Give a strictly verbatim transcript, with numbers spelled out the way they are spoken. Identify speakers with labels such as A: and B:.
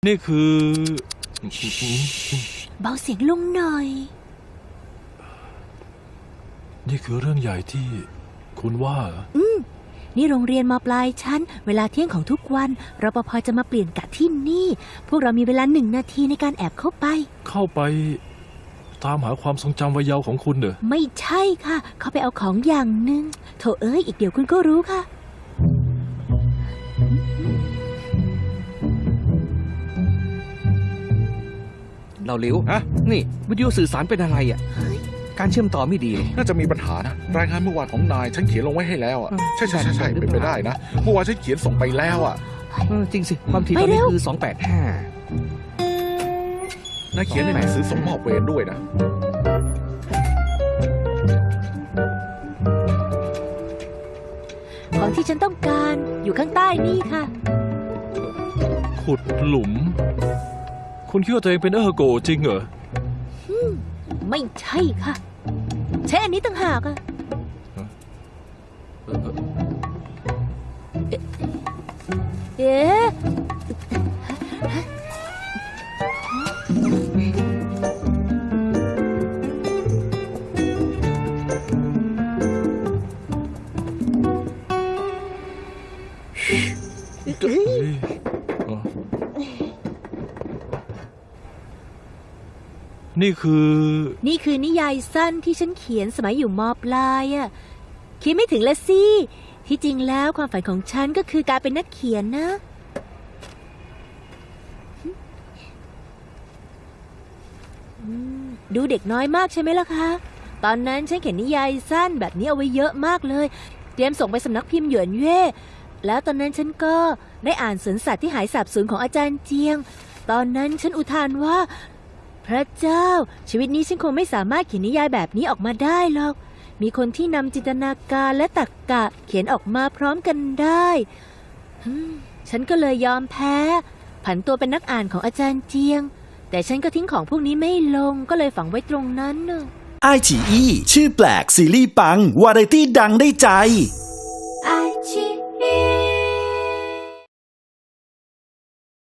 A: นี่คือ
B: เบาเสียงลงหน่อย
A: นี่คือเรื่องใหญ่ที่คุณว่า
B: อืมนี่โรงเรียนม.ปลายชั้นเวลาเที่ยงของทุกวันรปภ.จะมาเปลี่ยนกะที่นี่พวกเรามีเวลาหนึ่งนาทีในการแอบเข้าไป
A: เข้าไปตามหาความทรงจำวัยเยาว์ของคุณเหรอ
B: ไม่ใช่ค่ะเขาไปเอาของอย่างหนึ่งโถเอ้ยอีกเดี๋ยวคุณก็รู้ค่ะ
C: เราเร็วฮะนี่วิดีโอสื่อสารเป็นอะไรอ่ะการเชื่อมต่อไม่ดี
D: น่าจะมีปัญหานะรายงานเมื่อวานของนายฉันเขียนลงไว้ให้แล้วอ่ะใช่ใช่ใช่ใช่เป็นไปได้นะเมื่อวานฉันเขียนส่งไปแล้วอ่ะ
C: จริงสิความถี่ตอนนี้คือสองแปดห้า
D: นายเขียนในหนังสือส่งมอบเวรด้วยนะ
B: ของที่ฉันต้องการอยู่ข้างใต้นี่ค่ะ
A: ขุดหลุมคุณคิดว่าตัวเองเป็นเออร์โกจริงเหรอ
B: ไม่ใช่ค่ะใช่อันนี้ต่างหากอะเอ๊ะ
A: นี่คือ
B: นี่คือนิยายสั้นที่ฉันเขียนสมัยอยู่ม.ปลายอะคิดไม่ถึงละสิที่จริงแล้วความฝันของฉันก็คือการเป็นนักเขียนนะดูเด็กน้อยมากใช่ไหมล่ะคะตอนนั้นฉันเขียนนิยายสั้นแบบนี้เอาไว้เยอะมากเลยเตรียมส่งไปสำนักพิมพ์หยวนเย่แล้วตอนนั้นฉันก็ได้อ่านสวนสัตว์ที่หายสาบสูญของอาจารย์เจียงตอนนั้นฉันอุทานว่าพระเจ้าชีวิตนี้ฉันคงไม่สามารถเขียนนิยายแบบนี้ออกมาได้หรอกมีคนที่นำจินตนาการและตรรกะเขียนออกมาพร้อมกันได้ฉันก็เลยยอมแพ้ผันตัวเป็นนักอ่านของอาจารย์เจียงแต่ฉันก็ทิ้งของพวกนี้ไม่ลงก็เลยฝังไว้ตรงนั้นเนอะ
E: ไอฉีอีชื่อแปลกซีรีส์ปังวาไรตี้ดังได้ใจ